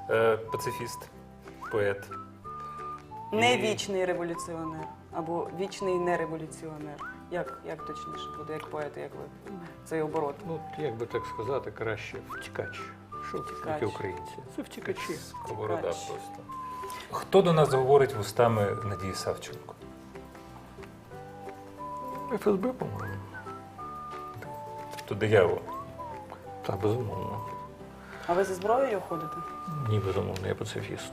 Пацифіст, поет. Не вічний революціонер або вічний нереволюціонер. Як точніше буде, як поет, як ви цей оборот? Ну, як би так сказати, краще втікач. Що Втікач. таке українці? Це втікачі. Сковорода Втікач. просто. Хто до нас говорить вустами Надії Савченко? ФСБ, по-моєму. Тобто диявол. Так, безумовно. А ви зі зброєю ходите? Ні, безумовно, я пацифіст.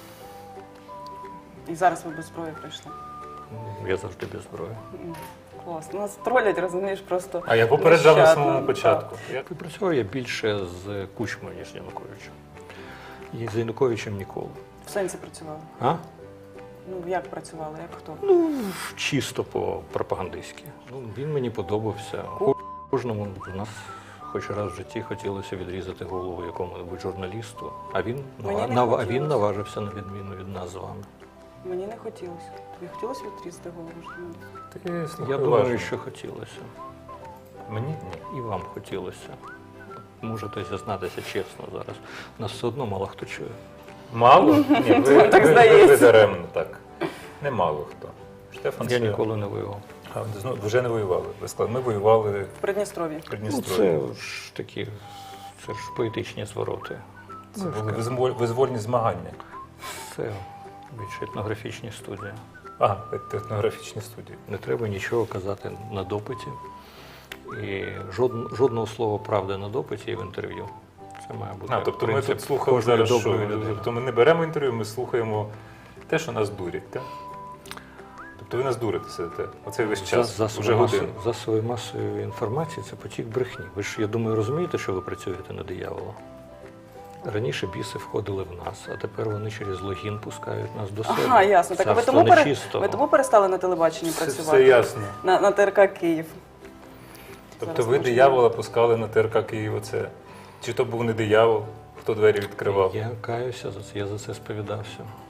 І зараз ви без зброї прийшли? Я завжди без зброї. Класно. Нас тролять, розумієш, просто. А я попереджав на нещадно. самому початку. І працював я більше з Кучмою, ніж з Януковичем. І з Януковичем ніколи. В сенсі працювали? А? Ну, як працювали, як хто? Ну, чисто по-пропагандистськи. Ну, він мені подобався. Кожному з нас хоч раз в житті хотілося відрізати голову якому-небудь журналісту, а він, Мені не хотілося. наважився на відміну від нас з вами. Мені не хотілося. Тобі хотілося відрізати голову журналіста? Ти слухай Я думаю, уважно. що хотілося. Мені ні. І вам хотілося. Можете зізнатися чесно зараз. Нас все одно мало хто чує. Мало? Ні, ви, Так ви здається. даремно так. Не мало хто. Штефан Я це- ніколи не воював. А, ви вже не воювали. Ви сказали, ми воювали В Придністров'ї. в Ну, Придністров'ї. це ж такі, це ж поетичні звороти. Це були визвольні змагання. Це більш етнографічні студії. А, етнографічні студії. Не треба нічого казати на допиті. І жодного слова правди на допиті і в інтерв'ю. Це має бути Тобто ми принцип тут слухали кожної зараз, що доброї людини. тобто ми не беремо інтерв'ю, ми слухаємо те, що нас дурять, так? Тобто ви нас дурите сидите. Оцей весь час, вже годину. Засоби масової інформації – це потік брехні. Ви ж, я думаю, розумієте, що ви працюєте на диявола? Раніше біси входили в нас, а тепер вони через логін пускають нас до себе. Ага, ясно. Так а ви Царство тому, нечистого. ви тому перестали на телебаченні Все, працювати? все ясно. На ТРК Київ. Тобто Зараз ви можна. диявола пускали на ТРК Київ оце? Чи то був не диявол, хто двері відкривав? Я каюся за це, я за це сповідався.